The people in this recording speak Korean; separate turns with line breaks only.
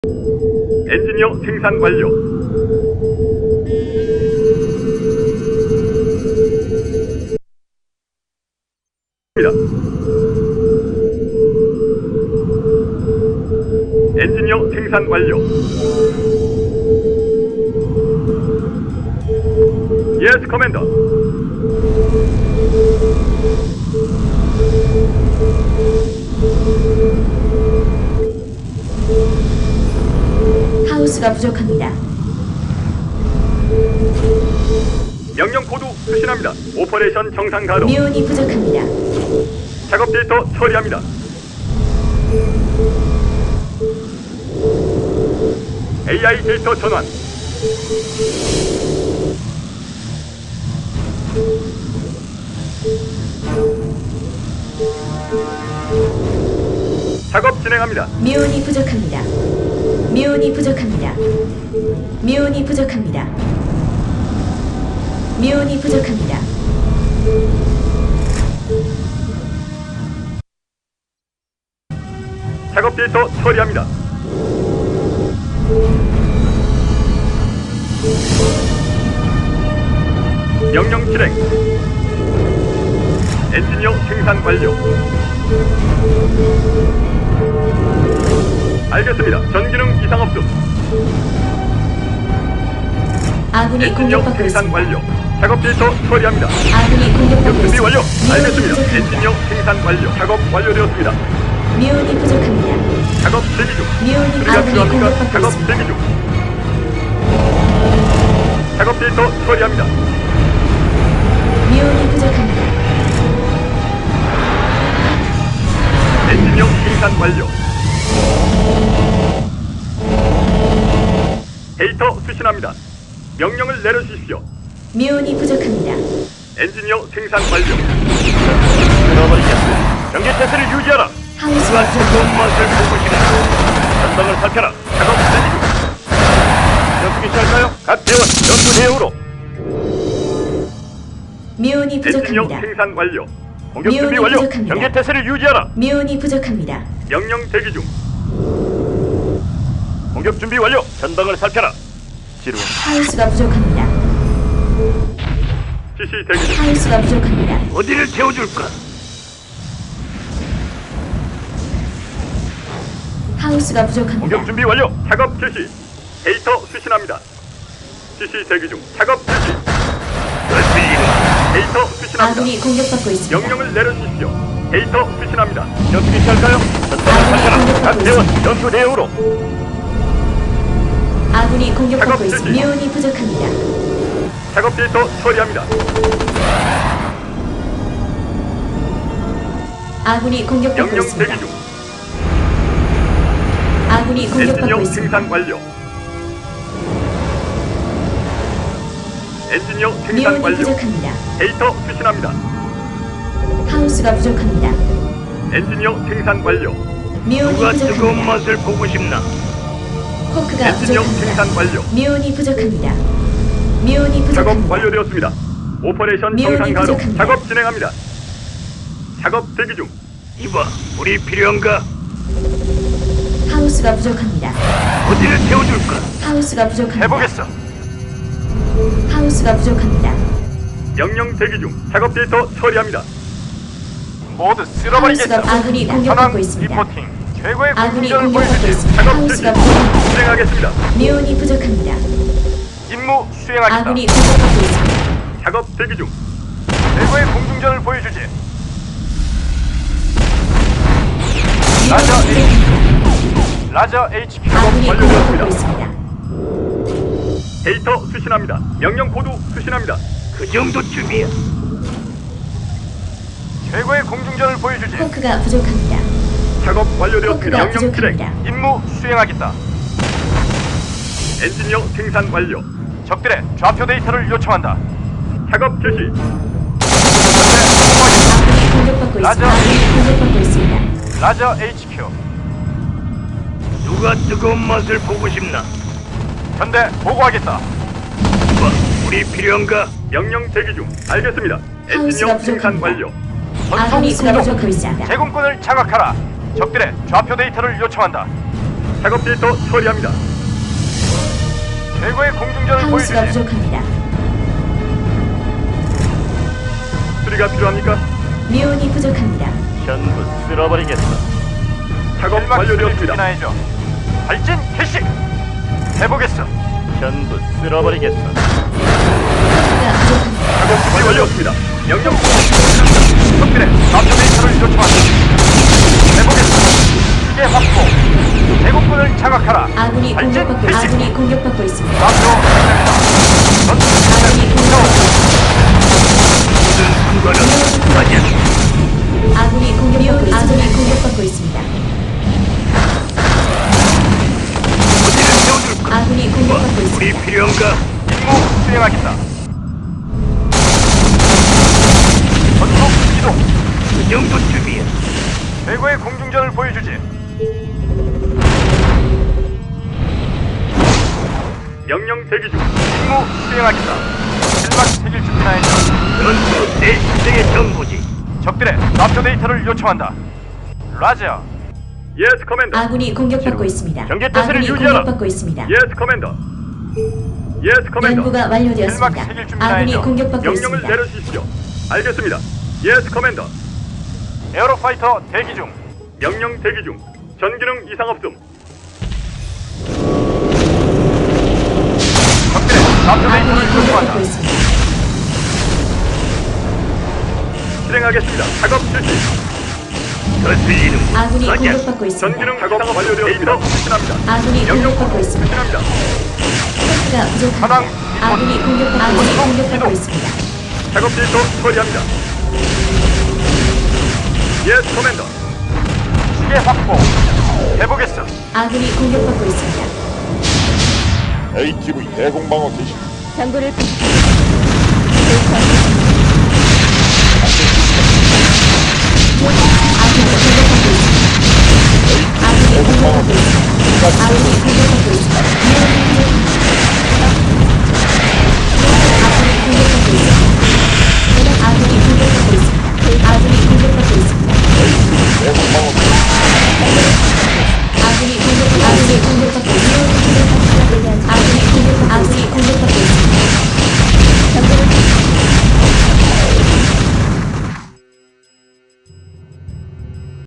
엔지니어 생산 완료. 엔지니어 생산 완료. 예스 커맨더.
하우스가 부족합니다.
명령 코드 수신합니다. 오퍼레이션 정상 가동.
미온이 부족합니다.
작업 데이터 처리합니다. AI 데이터 전환. 작업 진행합니다.
미온이 부족합니다. 미온이 부족합니다. 미온이 부족합니다. 미온이 부족합니다.
작업 데이터 처리합니다. 명령 실행. 엔지니어 생산 완료. 알겠습니다. 전기능 이상 없음.
아군이
엔지니어
공격받고
생산
있습니다.
완료. 작업 데이터 처리합니다.
아군이 공격받고
준비
있습니다.
완료.
미온이
알겠습니다.
부족합니다.
엔지니어 생산 완료. 작업 완료되었습니다.
미온이 부족합니다.
작업 대기 중.
미온이
수리가
아군이
필요합니까?
공격받고
작업
있습니다.
대기 중. 작업 데이터 처리합니다.
미온이 부족합니다.
엔지니어 생산 완료. 데이터 수신합니다. 명령을 내려주십시오.
미온이 부족합니다.
엔지니어 생산 완료. 끊어버리겠습니다. 경계 태세를 유지하라.
하우스가 부족합니다.
맛을 보고 싶다. 전방을 살펴라. 작업 대기 중. 전투기 시작할까요? 각 대원 전투 대응으로.
미온이
엔지니어
부족합니다.
생산 완료. 공격 준비
미온이
완료.
부족합니다.
경계 태세를 유지하라.
미온이 부족합니다.
명령 대기 중. 공격 준비 완료. 전방을 살펴라. 지루한
하우스가 부족합니다.
지시 대기 중.
하우스가 부족합니다.
어디를 태워줄까?
하우스가 부족합니다.
공격 준비 완료. 작업 개시. 데이터 수신합니다. 지시 대기 중. 작업 개시. 데이터 수신합니다.
아군이 공격받고 있습니다.
명령을 내려주십시오. 데이터 수신합니다. 전투기 시작할까요? 전방을 살펴라. 각
공격받고
대원
있습니다.
전투 대응으로.
아군이 공격받고
작업
있습니다.
실시.
미온이 부족합니다.
작업 데이터 처리합니다.
아군이 공격받고
명령
있습니다.
대기 중.
아군이 공격받고
엔지니어
있습니다.
생산 완료. 엔지니어 생산
미온이
완료.
부족합니다.
데이터 수신합니다.
하우스가 부족합니다.
엔지니어 생산 완료.
미온이 부족합니다.
맛을 보고 싶나?
포크가
엔지니어
부족합니다.
생산 완료.
미온이 부족합니다. 미온이
작업
부족합니다.
완료되었습니다. 오퍼레이션
미온이
정상 가동.
부족합니다.
작업 진행합니다. 작업 대기 중. 이봐, 우리 필요한가?
하우스가 부족합니다.
어디를 태워줄까?
하우스가 부족합니다.
해보겠어.
하우스가 부족합니다.
명령 대기 중. 작업 데이터 처리합니다. 모두
하우스가 아군이 공격받고 있습니다.
리포팅. 최고의
아군이
공격을
공격받고
보여주지.
있습니다.
작업 실시.
하우스가 부족합니다.
진행하겠습니다.
미온이 부족합니다.
임무 수행하겠다.
아군이 공격받고 있습니다.
작업 대기 중. 최고의 공중전을 보여주지. 라저
미온이
H.
부족합니다.
라저 HQ.
아군이
작업
공격받고
완료되었습니다.
있습니다.
데이터 수신합니다. 명령 코드 수신합니다. 그 정도쯤이야. 최고의 공중전을 보여주지.
포크가 부족합니다.
작업 완료되었습니다.
포크가
명령 실행.
부족합니다.
임무 수행하겠다. 엔지니어 생산 완료. 적들의 좌표 데이터를 요청한다. 작업 개시.
아군이 공격받고
라저.
있습니다. 아군이 공격받고 있습니다.
라저 HQ. 누가 뜨거운 맛을 보고 싶나? 현대 보고하겠다. 우리 필요한가? 명령 대기 중. 알겠습니다. 엔지니어
하우스가
생산
부족합니다.
완료.
아군이
전송
공격받고 있습니다.
제공권을 장악하라. 적들의 좌표 데이터를 요청한다. 작업 데이터 처리합니다. 최고의 공중전을
하우스가
보여주지.
부족합니다.
수리가 필요합니까?
미온이 부족합니다.
전부 쓸어버리겠어.
작업 완료되었습니다.
발진 개시. 해보겠어. 전부 쓸어버리겠어.
하우스가 부족합니다.
작업 준비 완료였습니다. 명령
적들의 앞서 데이터를 요청한다. 해보겠어. 시계 확보. 대공군을 장악하라.
아군이
발진
공격받고
개시.
아군이 공격받고 있습니다.
앞으로 전투
아군이 공격받고
순간은 아니야.
아군이 공격받고 있습니다.
어디를 세워줄까?
아군이 공격받고 있습니다.
우리 필요한가?
임무 수행하겠다. 전속 이동.
그 정도 준비야.
최고의 공중전을 보여주지.
명령 대기 중.
임무 수행하겠다. 실막 새길 준비나 해줘.
전투 내 인생의 전부지.
적들의 앞서 데이터를 요청한다. 라자.
예스 커맨더.
아군이 공격받고 있습니다.
경계 태세를
아군이
유지하라.
공격받고 있습니다.
예스 커맨더. 예스 커맨더.
연구가 완료되었습니다.
일막 새길 준비나
아군이
해줘.
공격받고
명령을
있습니다.
내려주십시오. 알겠습니다. 예스 커맨더.
에어로파이터 대기 중.
명령 대기 중. 전기능 이상 없음.
적들의 앞서
아군이
데이터를
공격받고
요청한다.
있습니다.
실행하겠습니다. 작업 실시. 거슬리는
아군이 공격받고 있습니다.
전기능 작업 완료되었습니다. 실시합니다.
아군이
명령
공격받고 있습니다.
실시합니다.
하우스가
하단
부족합니다. 아군이 공격받고
이동.
있습니다.
작업 데이터 처리합니다. 예스 커맨더.
시계 확보. 해보겠어.
아군이 공격받고 있습니다.
ATV 대공방어 개시.
장군을 아군이 공격받고 있습니다. 아군이 공격받고 있습니다. 아군이 공격받고 있습니다.